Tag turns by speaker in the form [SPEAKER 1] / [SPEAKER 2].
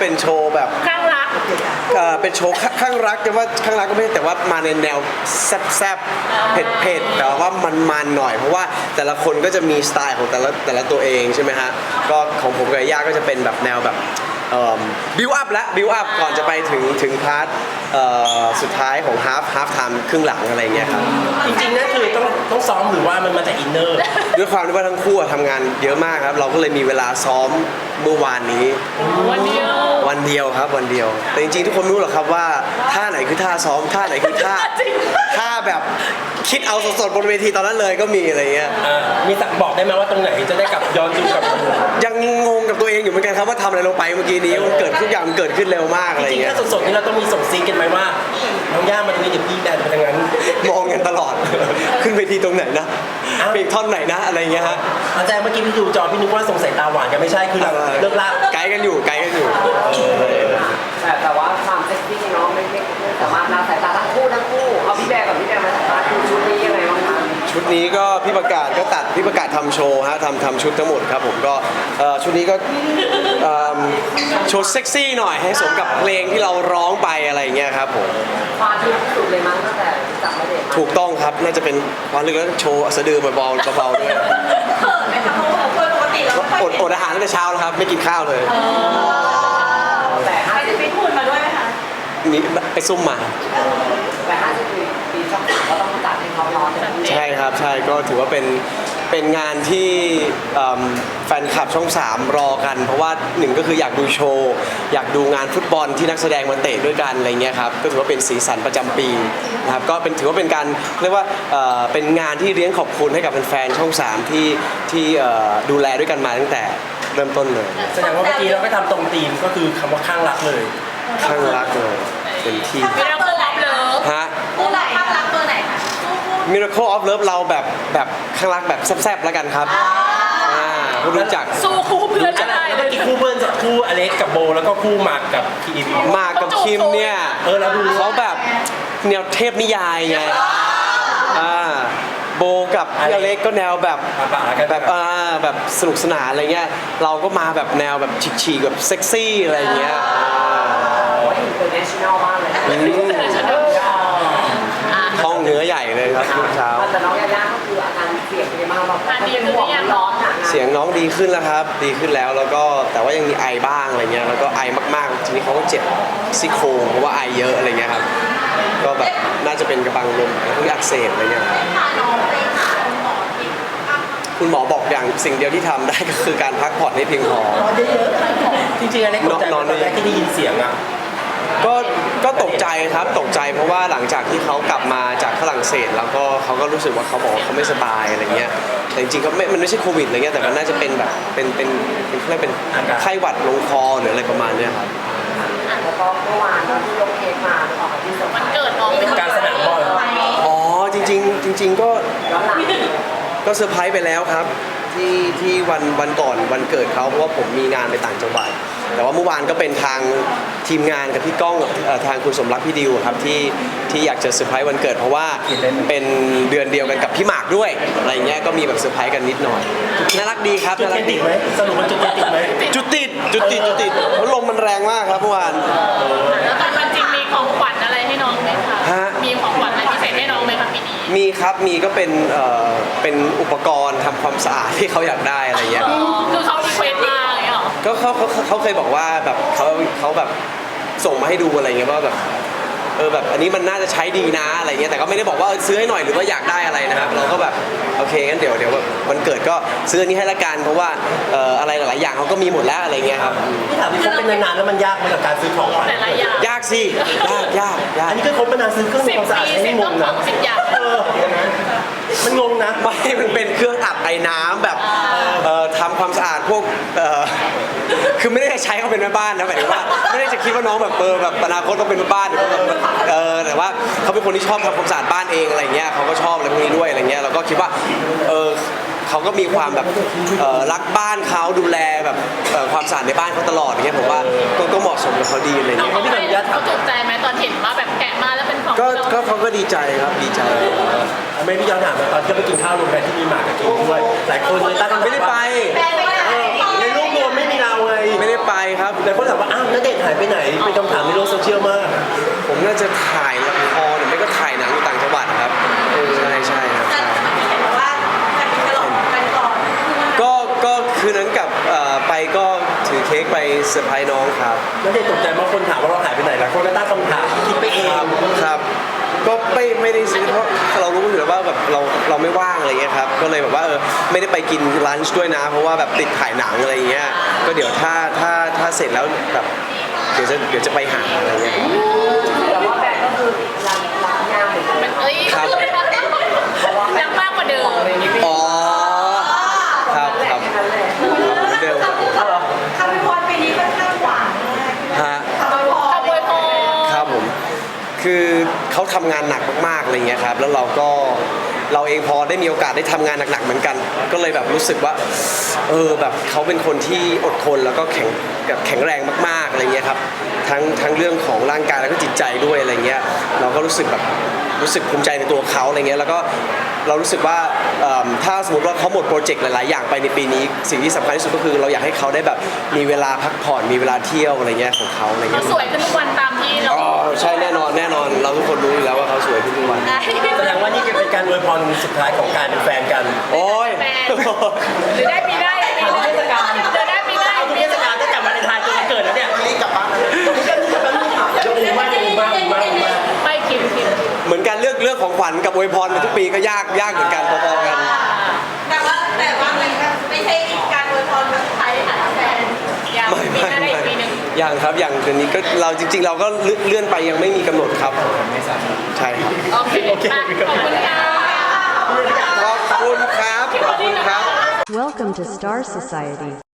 [SPEAKER 1] เป็นโชว์แบบ
[SPEAKER 2] ข้างรัก
[SPEAKER 1] เป็นโชว์ข้างรักแต่ว่าข้างรักก็ไม่ใช่แต่ว่ามาในแนวแซ่บๆเผ็ดๆแต่ว่ามันๆหน่อยเพราะว่าแต่ละคนก็จะมีสไตล์ของแต่ละตัวเองใช่ไหมฮะก็ของผมกับย่าก็จะเป็นแบบแนวแบบบิวอัพและบิวอัพก่อนจะไปถึงพาร์ทสุดท้ายของฮาล์ฟไทม์ครึ่งหลังอะไรเงี้ยครับ
[SPEAKER 3] จริงๆนั่นคือต้องซ้อมหรือว่ามันมาจากอินเนอร์
[SPEAKER 1] ด้วยความที่ว่าทั้งคู่ทำงานเยอะมากครับเราก็เลยมีเวลาซ้อมเมื่อวานนี้
[SPEAKER 2] วันเดียว
[SPEAKER 1] ครับวันเดียวแต่จริงๆทุกคนรู้หรอครับว่าท่าไหนคือท่าซ้อมท่าไหนคือท่าแบบคิดเอาสดๆบนเวทีตอนนั้นเลยก็มีอะไรเงี้ย
[SPEAKER 3] มีสักบอกได้ไหมว่าตรงไหนจะได้กลับย้อนดูกับ
[SPEAKER 1] ยังงงกับตัวเองอยู่เหมือนกันครับว่าทำอะไรลงไปเมื่อกี้นี้มันเกิดทุกอย่างมันเกิดขึ้นเร็วมากอะไร
[SPEAKER 3] จริงๆ
[SPEAKER 1] เงี้ย
[SPEAKER 3] ถ้าสดๆนี่เราต้องมีส่งซิกกันไหมว่าน้องย่ามันมีเดี๋ยวพี่แดนเป็นยังไง
[SPEAKER 1] มองกันตลอดขึ้นเวทีตรงไหนนะเพลงท่อนไหนนะอะไรเงี้ยฮะ
[SPEAKER 3] อาจารย์เมื่อกี้พี่ดูจอพี่นึกว่าส่งสายตาหวานกันไม่ใช่คือเราเลิกลาก
[SPEAKER 1] ไกด์กันอยู่
[SPEAKER 4] แต่ว่าความเซ็กซี่เนาะไม่สามารถละสายตาทั้งคู่เอาพี่แบร์กับพี่แบร์มาสัมภาษณ์ชุดนี้ยังไงบ้างคะ
[SPEAKER 1] ชุดนี้ก็พี่ประกาศทำโชว์ฮะทำชุดทั้งหมดครับผมก็ชุดนี้ก็โชว์เซ็กซี่หน่อยให้สมกับเพลงที่เราร้องไปอะไรเงี้ยครับผม
[SPEAKER 4] คว้าที่สุดเลยมั้งตั้งแต่จับมาเด็ก
[SPEAKER 1] ถูกต้องครับน่าจะเป็นความลึกแล้วโชว์สะดือเบาๆด้วย
[SPEAKER 2] เขินไหมคะเพราะว่าปกติเรา
[SPEAKER 1] อดอาหารตั้งแต่เช้าแล้วครับไม่กินข้าวเลย
[SPEAKER 4] แต่
[SPEAKER 2] ไปฟิตหุ่นมาด้วยไหมคะ
[SPEAKER 1] มีไปซุ่มมา
[SPEAKER 4] แต่50 ปีช่อง3ก็ต้องจัดให้เขาร้อน
[SPEAKER 1] ใช่ครับใช่ก็ถือว่าเป็นงานที่แฟนคลับช่อง3รอกันเพราะว่าหนึ่งก็คืออยากดูโชว์อยากดูงานฟุตบอลที่นักแสดงมาเตะด้วยกันอะไรเงี้ยครับก็ถือว่าเป็นสีสันประจำปีนะครับก็ถือว่าเป็นการเรียกว่าเป็นงานที่เลี้ยงขอบคุณให้กับแฟนๆช่อง3ที่ดูแลด้วยกันมาตั้งแต่เริ่มต้นเลย
[SPEAKER 3] แสดงว่าเมื่อกี้เราก็ทำตรงธีมก็คือคำว่าข้างรักเลย
[SPEAKER 1] ข้างรักเลยเป็นที่ฮะ
[SPEAKER 2] ตัวไหนข้างรักตัวไหนคะ
[SPEAKER 1] Miracle of Love เราแบบข้างรักแบบแซ่บๆแล้วกันครับผู้รู้จัก
[SPEAKER 2] สู้คู่เพื่อนได้
[SPEAKER 3] เมื่อกี้คู่เพื่อนคู่อเล็กกับโบแล้วก็คู่หมากกับคิม
[SPEAKER 1] เนี่ย
[SPEAKER 3] เราดู
[SPEAKER 1] เขาแบบแนวเทพนิยายไงโบกับพี่อเล็กก็แนวแบบสนุกสนานอะไรเงี้ยเราก็มาแบบแนวแบบฉีกๆแบบเซ็กซี่อะไรเงี้ย
[SPEAKER 4] international มากเลย
[SPEAKER 1] ห้องเนื้อใหญ่เลยครับทุกเช้า
[SPEAKER 4] แต่น้องยาย่าก็คืออาการเสียงเป็นมากแบบเป็นห่วงร้อน
[SPEAKER 1] เสียงน้องดีขึ้นแล้วครับดีขึ้นแล้วก็แต่ว่ายังมีไอบ้างอะไรเงี้ยแล้วก็ไอมากๆทีนี้เขาก็เจ็บซี่โครงเพราะว่าไอเยอะอะไรเงี้ยครับก็แบบน่าจะเป็นกระบังลมที่อักเสบอะไรเงี้ยคุณหมอบอกอย่างสิ่งเดียวที่ทำได้ก็คือการพักผ่อนให้เพียงพอ
[SPEAKER 3] จริงๆอะไรนอนแรกที่ได้ยินเสียงอ่ะ
[SPEAKER 1] ก็ตกใจครับตกใจเพราะว่าหลังจากที่เขากลับมาจากฝรั่งเศสแล้วก็เขาก็รู้สึกว่าเขาบอกว่าเขาไม่สบายอะไรเงี้ยแต่จริงๆก็มันไม่ใช่โควิดอะไรเงี้ยแต่มันน่าจะเป็นแบบเป็นไข้หวัดลงคอหรืออะไรประมาณเนี้ยครับ
[SPEAKER 4] แล้วก็เมื่อวานที่ยกเค้กมาออกมาที่
[SPEAKER 2] มันเกิดน้อง
[SPEAKER 3] เป็นการสนามบอล
[SPEAKER 1] อ๋อจริงๆก็เซอร์ไพรส์ไปแล้วครับที่วันก่อนวันเกิดเขาเพราะว่าผมมีงานไปต่างจังหวัดแต่ว่าเมื่อวานก็เป็นทางทีมงานกับพี่ก้องทางคุณสมรักพี่ดิวครับที่อยากจะเซอร์ไพรส์วันเกิดเพราะว่าเป็นเดือนเดียวกันกับพี่หมากด้วยอะไรเงี้ยก็มีแบบเซอร์ไพรส์กันนิดหน่อยน่ารักดีครับ
[SPEAKER 3] น่ารักดีไหมสรุปมันจุดติดไหม
[SPEAKER 1] จุดติดเพราะลมมันแรงมากครับเมื่อวาน
[SPEAKER 2] แล้วตอนวันจริงมีของขวัญอะไรให้น้องไหมคะมีของขวัญอะไรพิเศษให้น้องไหมคะปีนี้
[SPEAKER 1] มีครับมีก็เป็นอุปกรณ์ทำความสะอาดที่เขาอยากได้อะไรเงี้ย
[SPEAKER 2] คือเขารีเควสมาอะไรหรอ
[SPEAKER 1] ก็เขาเคยบอกว่าแบบเขาแบบส่งมาให้ดูอะไรเงี้ยว่าแบบแบบอันนี้มันน่าจะใช้ดีนะอะไรเงี้ยแต่ก็ไม่ได้บอกว่าซื้อให้หน่อยหรือว่าอยากได้อะไรนะครับเราก็แบบโอเคงั้นเดี๋ยวแบบวันเกิดก็ซื้ออันนี้ให้ละกันเพราะว่าอะไรหลายๆอย่างเขาก็มีหมดแล้วอะไรเงี้ยครับ
[SPEAKER 3] ที่ถามที่คบเป็นนานๆแล้วมันยากไหมกับการซื้อของ
[SPEAKER 1] ยากสิยาก
[SPEAKER 3] อันนี้ก็คบมานานซื้อเครื่องความสะอาดให้งงนะมันงงนะ
[SPEAKER 1] ไม่มันเป็นเครื่องอัดไอ้น้ำแบบทำความสะอาดพวกคือไม่ได้ใช้เขาเป็นแม่บ้านนะหมายถึงว่าไม่ได้จะคิดว่าน้องแบบแบบอนาคตต้องเป็นแม่บ้านแต่ว่าเขาเป็นคนที่ชอบทำความสะอาดบ้านเองอะไรเงี้ยเขาก็ชอบอะไรพวกนี้ด้วยอะไรเงี้ยเราก็คิดว่าเขาก็มีความแบบรักบ้านเขาดูแลแบบความสะอาดในบ้านเขาตลอดอย่างเงี้ยผมว่าก็เหมาะสมกับเขาดีอะไรเงี้ย
[SPEAKER 2] เขาตกใจไหมตอนเห็นว่าแบบแกะมาแล้วเป็นของ
[SPEAKER 1] ก็เขาก็ดีใจครับดีใจ
[SPEAKER 3] ไม่พี่ย้อนถามตอนที่ไปกินข้าวโรงแรมที่มีหมากกับกินด้วยหลายคนเลยตั้ง
[SPEAKER 1] ไม่ได้ไป
[SPEAKER 3] ในรูปรวมไม่มีเราไง
[SPEAKER 1] ไม่ได้ไปครับ
[SPEAKER 3] แต่คนถามว่าอ้าวณเดชน์หายไปไหนเป็นคำถามในโลกโซเชียลมาก
[SPEAKER 1] ผมน่าจะถ่ายละครหรือไม่ก็ถ่ายหนังอยู่ต่างจังหวัดครับใช่ครับใช่
[SPEAKER 5] เห็นว่าการกระหล่ำกันก่อน
[SPEAKER 1] ก็คืนนั้นกลับไปก็ถือเค้กไปเซอร์ไพรส์น้องครับ
[SPEAKER 3] ณเดชน์ตกใจมากคนถามว่าเราหายไปไหนหลายคนก็ตั้งคำถามคิดไปเอง
[SPEAKER 1] ครับก็ไม่ได้ซื้อเพราะเรารู้อยู่แล้วว่าแบบเราไม่ว่างอะไรเงี้ยครับก็เลยแบบว่าไม่ได้ไปกินลันช์ด้วยนะ เพราะว่าแบบติดถ่ายหนังอะไรเงี้ยก็เดี๋ยวถ้าเสร็จแล้วแบบเดี๋ยวจะไปหาอะไรเงี้ย
[SPEAKER 4] แต่ว่าแบกก็คือรักงานเหมือนกัน
[SPEAKER 2] มันเอ้ย
[SPEAKER 1] ครับ
[SPEAKER 2] รักมากกว่าเดิม
[SPEAKER 1] อ๋อครับครับ
[SPEAKER 4] แค่นั้นแหละ
[SPEAKER 1] เดิม
[SPEAKER 5] คำพิพรปีนี้ค่อนข้างหวานมาก
[SPEAKER 1] ฮะ
[SPEAKER 5] คำพิพร
[SPEAKER 2] ขโมยพอ
[SPEAKER 1] ครับผมคือเขาทำงานหนักมากๆอะไรเงี้ยครับแล้วเราเองพอได้มีโอกาสได้ทำงานหนักๆเหมือนกัน ก็เลยแบบรู้สึกว่าแบบเขาเป็นคนที่อดทนแล้วก็แข็งแรงมากๆอะไรเงี้ยครับทั้งเรื่องของร่างกายแล้วก็จิตใจด้วยอะไรเงี้ยเราก็รู้สึกภูมิใจในตัวเขาอะไรเงี้ยแล้วก็เรารู้สึกว่าถ้าสมมติว่าเขาหมดโปรเจกต์หลายๆอย่างไปในปีนี้สิ่งที่สำคัญที่สุดก็คือเราอยากให้เขาได้แบบมีเวลาพักผ่อนมีเวลาเที่ยวอะไรเงี้ยของเขาอะไร
[SPEAKER 2] เขา
[SPEAKER 1] เงี้ย
[SPEAKER 2] สวยขึ้นทุกวันตามที่เรา
[SPEAKER 1] อ๋อใช่แน่นอนเราทุกคนรู้อยู่แล้วว่าเขาสวยขึ้นทุกวัน
[SPEAKER 2] ได้
[SPEAKER 3] แสดงว่านี่จะเป็นการอวยพรสุดท้ายของการเป็นแฟนกัน
[SPEAKER 1] โอ้ย
[SPEAKER 2] แฟนหรือได้ปีหน้าปีหน้าหรือได้ปีหน้า
[SPEAKER 3] เอาทุกเทศกาลตั้งแต่วันเลนไทน์จนวันเกิดแล้วเนี่ยรีบกลับบ้านยกมือไหว้ยกมือไหว้ยกมือไหว้
[SPEAKER 2] ไม่คิม
[SPEAKER 1] เหมือนกันเลือกของขวัญกับอวยพรทุกปีก็ยากเหมือนกันพอๆกัน
[SPEAKER 5] แต่ว่ามันไม่ใช่การอวยพรครั้งสุดท้ายในฐานะแฟน
[SPEAKER 2] อย่างปีหน้าได้อีกปีหนึ่ง
[SPEAKER 1] ยังครับอย่างเดือนนี้ก็เราจริงๆ เราก็เลื่อนไปยังไม่มีกำหนดครับใช่ครับ
[SPEAKER 2] โอเคขอบคุณค่ะ
[SPEAKER 1] ขอบคุณครับขอบคุณครับ
[SPEAKER 6] Welcome to Star Society.